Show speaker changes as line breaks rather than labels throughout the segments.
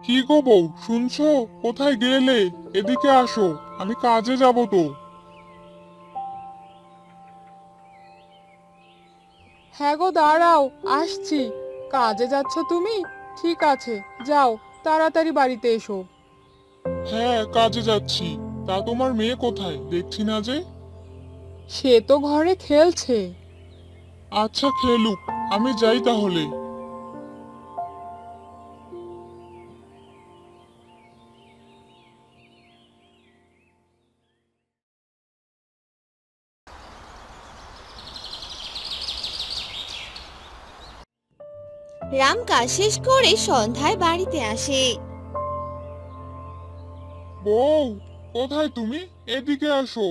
কি গো বউ, শুনছো? কোথায় গেলে? এদিকে আসো, আমি কাজে যাব তো।
হ্যাঁ গো, দাঁড়াও, আসছি। কাজে যাচ্ছ তুমি? ঠিক আছে, যাও, তাড়াতাড়ি বাড়িতে এসো।
হ্যাঁ, কাজে যাচ্ছি। তা তোমার মেয়ে কোথায়, দেখছি না যে?
সে তো ঘরে খেলছে।
আচ্ছা, খেলুক, আমি যাই তাহলে।
রাম কাজ শেষ করে সন্ধ্যায় বাড়িতে আসে।
বউ, কোথায় তুমি? এদিকে আসো।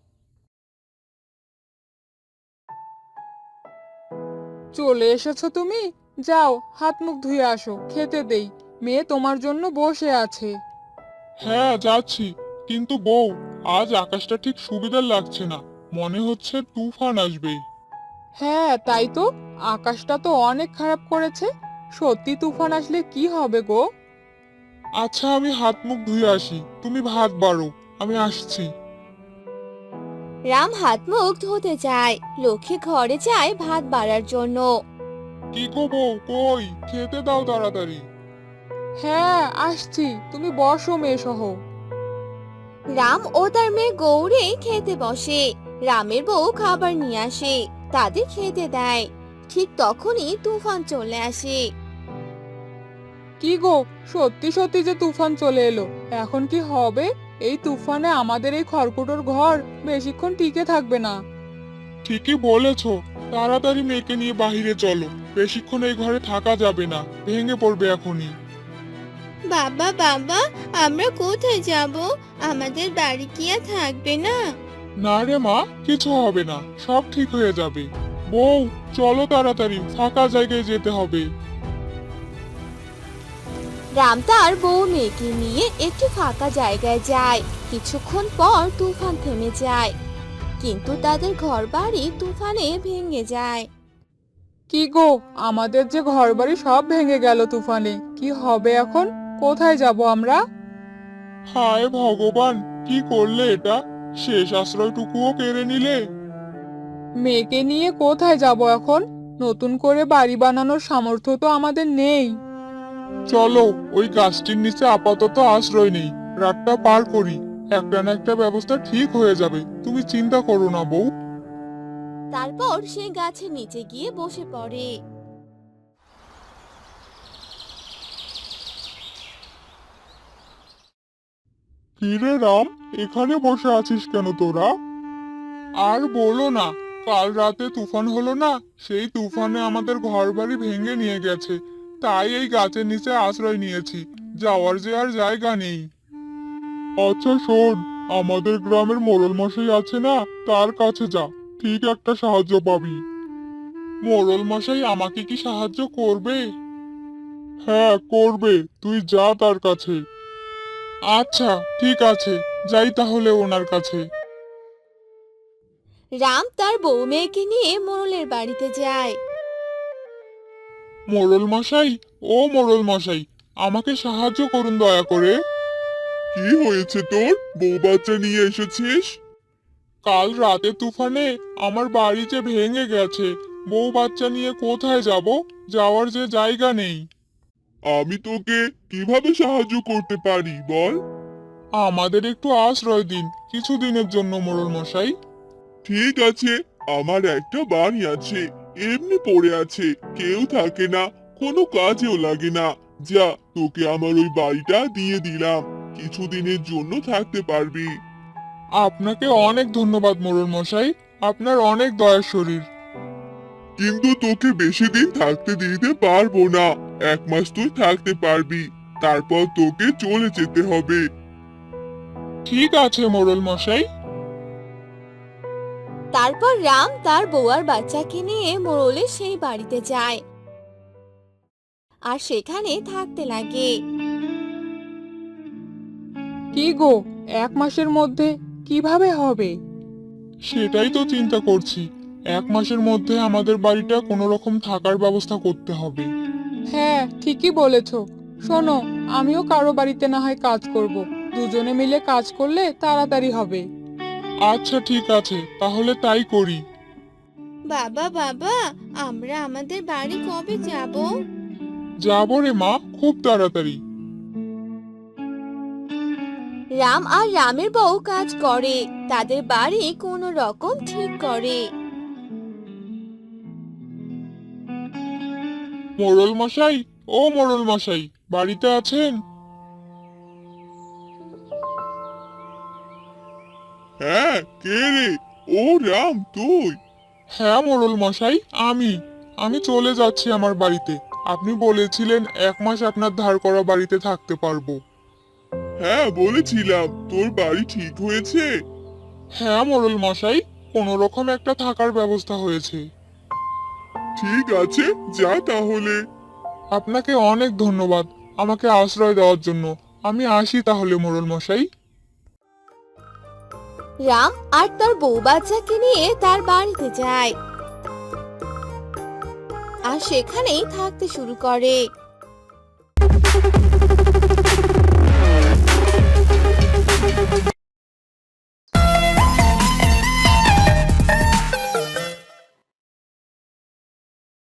চলে এসেছো তুমি? যাও, হাত মুখ ধুয়ে আসো, খেতে দেই। মেয়ে তোমার জন্য বসে আছে।
হ্যাঁ, যাচ্ছি। কিন্তু বউ, আজ আকাশটা ঠিক সুবিধার লাগছে না। মনে হচ্ছে তুফান আসবে।
হ্যাঁ, তাই তো। আকাশটা তো অনেক খারাপ করেছে। সত্যি তুফান আসলে কি হবে গো?
আচ্ছা, আমি হাত মুখ ধুয়ে আসি, তুমি ভাত বাড়ো। আমি আসছি।
রাম হাত মুখ ধুতে যায়, লক্ষ্মী ঘরে যায় ভাত বাড়ার জন্য।
কি গো বউ, কই? খেতে দাও তাড়াতাড়ি।
হ্যাঁ, আসছি, তুমি বসো মেয়ে সহ।
রাম ও তার মেয়ে গৌরে খেতে বসে। রামের বউ খাবার নিয়ে আসে, তাদের খেতে দেয়। ঠিক তখনই তুফান চলে আসে।
কি গো, সত্যি সত্যি যে তুফান চলে এলো। এখন কি হবে? এই তুফানে আমাদের এই খড়কুটোর ঘর বেশিক্ষণ টিকে থাকবে না।
ঠিকই বলেছো। তাড়াতাড়ি মেয়েকে নিয়ে বাহিরে চলো। বেশিক্ষণ এই ঘরে থাকা যাবে না, ভেঙে পড়বে এখনই।
বাবা বাবা, আমরা কোথায় যাব? আমাদের বাড়ি কি আর থাকবে না?
না রে মা, কিছু হবে না, সব ঠিক হয়ে যাবে। বউ, চলো তাড়াতাড়ি, ফাঁকা জায়গায় যেতে হবে।
রাম তার বউ মেয়েকে নিয়ে একটি ফাঁকা জায়গায় যায়। কিছুক্ষণ পর তুফান থেমে যায়, কিন্তু তাদের ঘরবাড়ি তুফানে ভেঙে যায়।
কি গো, আমাদের যে ঘরবাড়ি সব ভেঙে গেল তুফানে। কি হবে এখন? কোথায় যাব আমরা?
হায় ভগবান, কি করলে এটা? শেষ আশ্রয়টুকুও কেড়ে নিলে।
মেয়েকে নিয়ে কোথায় যাব এখন? নতুন করে বাড়ি বানানোর সামর্থ্য তো আমাদের নেই।
চলো, ওই গাছটির নিচে আপাতত আশ্রয় নেই। রাতটা পার করি। একটা না একটা ব্যবস্থা ঠিক হয়ে যাবে, তুমি চিন্তা করো না বউ।
তারপর সে গাছের নিচে গিয়ে বসে পড়ে।
কিরে রাম, এখানে বসে আছিস কেন তোরা? আর বলো না। কাল রাতে তুফান হলো না? সেই তুফানে আমাদের ঘরবাড়ি ভেঙে নিয়ে গেছে। তাই এই গাছের নিচে আশ্রয় নিয়েছি। যাওয়ার যে আর জায়গা নেই। আচ্ছা শোন, আমাদের গ্রামের মোড়ল মশাই আছে না, তার কাছে যা। ঠিক একটা সাহায্য পাবি। মোড়ল মশাই আমাকে কি সাহায্য করবে? হ্যাঁ, করবে। তুই যা তার কাছে। আচ্ছা, ঠিক আছে, যাই তাহলে ওনার কাছে।
রাম তার বউ মেয়েকে নিয়ে মোড়লের বাড়িতে যায়।
মোড়ল মশাই, ও মোড়ল মশাই, আমাকে সাহায্য করুন দয়া করে। কি হয়েছে তোর? বউ বাচ্চা নিয়ে এসেছিস? কাল রাতে তুফানে আমার বাড়ি যে ভেঙে গেছে। বউ বাচ্চা নিয়ে কোথায় যাব? যাওয়ার যে জায়গা নেই। আমি তোকে কিভাবে সাহায্য করতে পারি বল? আমাদের একটু আশ্রয় দিন, কিছুদিনের জন্য মোড়ল মশাই। ঠিক আছে, আমার একটা বাড়ি আছে, এমনি পড়ে আছে, কেউ থাকে না, কোনো কাজেও লাগে না। যা, তোকে আমার ওই বাড়িটা দিয়ে দিলাম, কিছুদিনের জন্য থাকতে পারবি। আপনাকে অনেক ধন্যবাদ মোড়ল মশাই, আপনার অনেক দয়ার শরীর। কিন্তু তোকে বেশি দিন থাকতে দিতে পারবো না। 1 মাস তুই থাকতে পারবি, তারপর তোকে চলে যেতে হবে। ঠিক আছে মোড়ল মশাই।
তারপর রাম তার বউ আর বাচ্চাকে নিয়ে মোড়লের সেই বাড়িতে যায় আর সেখানে থাকতে লাগে।
কি গো, 1 মাসের মধ্যে কিভাবে হবে?
সেটাই তো চিন্তা করছি। 1 মাসের মধ্যে আমাদের বাড়িটা কোনো রকম থাকার ব্যবস্থা করতে হবে।
হ্যাঁ, ঠিকই বলেছো। শোনো, আমিও কারো বাড়িতে না হয় কাজ করব। দুজনে মিলে কাজ করলে তাড়াতাড়ি হবে।
আচ্ছা ঠিক আছে, তাহলে তাই করি।
বাবা বাবা, আমরা আমাদের বাড়ি কবে যাব?
যাবো রে মা, খুব তাড়াতাড়ি।
রাম আর রামের বউ কাজ করে, তাদের বাড়ি কোনো রকম ঠিক করে।
মোড়ল মশাই, ও মোড়ল মশাই, বাড়িতে আছেন? হ্যাঁ, কে রে? ও রাম, তুই? হ্যাঁ মোড়ল মশাই, আমি চলে যাচ্ছি আমার বাড়িতে। আপনি বলেছিলেন 1 মাস আপনার ধার করা বাড়িতে থাকতে পারবো। হ্যাঁ বলেছিলাম, তোর বাড়ি ঠিক হয়েছে? হ্যাঁ মোড়ল মশাই, কোনো রকম একটা থাকার ব্যবস্থা হয়েছে। ঠিক আছে, যা তাহলে। আপনাকে অনেক ধন্যবাদ আমাকে আশ্রয় দেওয়ার জন্য। আমি আসি তাহলে মোড়ল মশাই।
রাম আর তার বউ বাচ্চাকে নিয়ে তার বাড়িতে যায় আর সেখানেই থাকতে শুরু করে।